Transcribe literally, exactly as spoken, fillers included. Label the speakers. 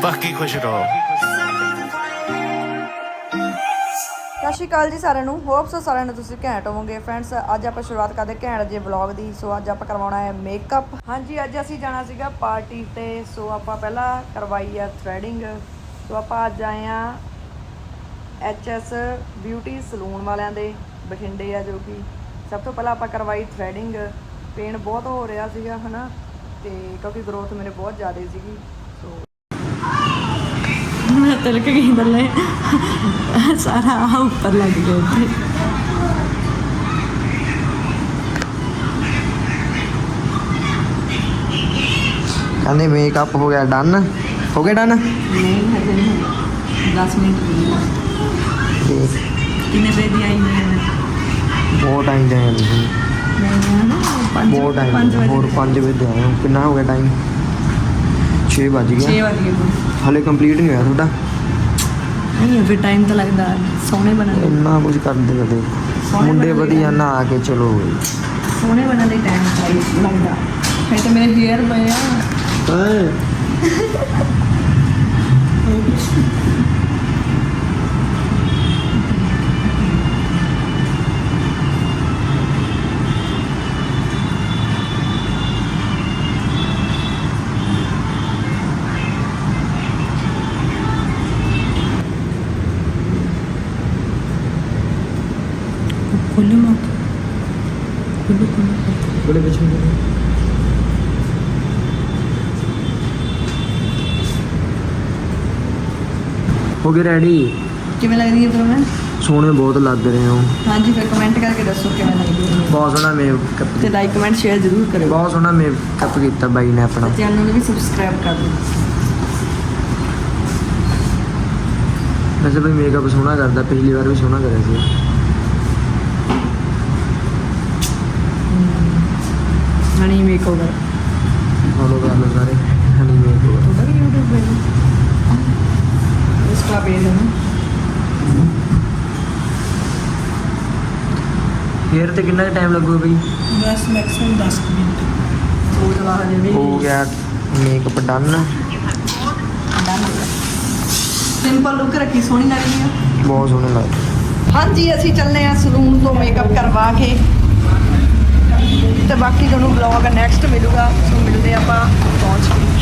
Speaker 1: ਬਾਕੀ ਖੁਸ਼ ਰਹੋ।
Speaker 2: ਸਤਿ ਸ਼੍ਰੀ ਅਕਾਲ ਜੀ ਸਾਰਿਆਂ ਨੂੰ। ਹੋਪ ਸੋ ਸਾਰਿਆਂ ਨੂੰ ਤੁਸੀਂ ਘੈਂਟ ਹੋਵੋਗੇ। ਫਰੈਂਡਸ ਅੱਜ ਆਪਾਂ ਸ਼ੁਰੂਆਤ ਕਰਦੇ ਘੈਂਟ ਜੇ ਵਲੌਗ ਦੀ। ਸੋ ਅੱਜ ਆਪਾਂ ਕਰਵਾਉਣਾ ਹੈ ਮੇਕਅਪ। ਹਾਂਜੀ ਅੱਜ ਅਸੀਂ ਜਾਣਾ ਸੀਗਾ ਪਾਰਟੀ ਤੇ। ਸੋ ਆਪਾਂ ਪਹਿਲਾਂ ਕਰਵਾਈ ਆ ਥਰੈਡਿੰਗ। ਸੋ ਆਪਾਂ ਅੱਜ ਆਏ ਆ ਐਚ ਐਸ ਬਿਊਟੀ ਸਲੂਨ ਵਾਲਿਆਂ ਦੇ ਬਠਿੰਡੇ ਆ, ਜੋ ਕਿ ਸਭ ਤੋਂ ਪਹਿਲਾਂ ਆਪਾਂ ਕਰਵਾਈ ਥਰੈਡਿੰਗ। ਪੇਨ ਬਹੁਤ ਹੋ ਰਿਹਾ ਸੀਗਾ ਹੈ ਨਾ, ਤੇ ਕਿਉਂਕਿ ਗਰੋਥ ਮੇਰੇ ਬਹੁਤ ਜ਼ਿਆਦਾ ਸੀਗੀ। ਸੋ
Speaker 3: मैं तिलक गई थले सारा आ ऊपर लग गया थे।
Speaker 4: कहते मेकअप हो गया डन। हो गया डन?
Speaker 3: नहीं हजे नहीं, दस मिनट कितने बजे दी आई मैं
Speaker 4: बहुत टाइम जाए बहुत टाइम और पाँच बजे आए हो। कितना हो गया टाइम? छे बज गया।
Speaker 3: छे बज गए
Speaker 4: हाले कंप्लीट नहीं होया थोड़ा?
Speaker 3: नहीं फिर टाइम तो लगता सोने बनने
Speaker 4: इन्ना कुछ करते कदे मुंडे वधिया नहा के चलो
Speaker 3: सोने बनने टाइम लगता है। तो मेरे हेयर पे खोलो मत, खोलो खोलो
Speaker 4: बड़े बच्चे हो गए रेडी?
Speaker 3: किवें लग रही है फिर मैं
Speaker 4: सोने बहुत लग रहे हो।
Speaker 3: हाँ जी फिर कमेंट करके दसो किवें लग रही है।
Speaker 4: बहुत सोहना मेकअप
Speaker 3: ते लाइक कमेंट शेयर जरूर करो।
Speaker 4: बहुत सोहना मेकअप किया बाई ने अपना।
Speaker 3: चैनल भी सब्सक्राइब कर दो।
Speaker 4: वैसे भाई मेकअप सोहना करता, पिछली बार भी सोहना करे थे।
Speaker 3: हनी मेकओवर
Speaker 4: फॉलो कर लो सारे हनी मेकओवर।
Speaker 3: थोड़ा भी यूट्यूब पे इसका पेज है ना।
Speaker 4: हेयर ते कितना टाइम लगेगा भाई?
Speaker 3: बस मैक्सिमम दस मिनट वो दवा हजे भी
Speaker 4: हो गया मेकअप डन।
Speaker 3: सिंपल लुक रखी सोहनी लग रही है,
Speaker 4: बहुत सोहने लग।
Speaker 2: हाँ जी ਅਸੀਂ ਚੱਲੇ ਆ ਸਲੂਨ ਤੋਂ ਮੇਕਅਪ ਕਰਵਾ ਕੇ, ਤੇ ਬਾਕੀ ਤੁਹਾਨੂੰ ਵਲੌਗ ਨੈਕਸਟ ਮਿਲੂਗਾ। ਸੋ ਮਿਲਦੇ ਆਪਾਂ ਪਹੁੰਚ ਕੇ।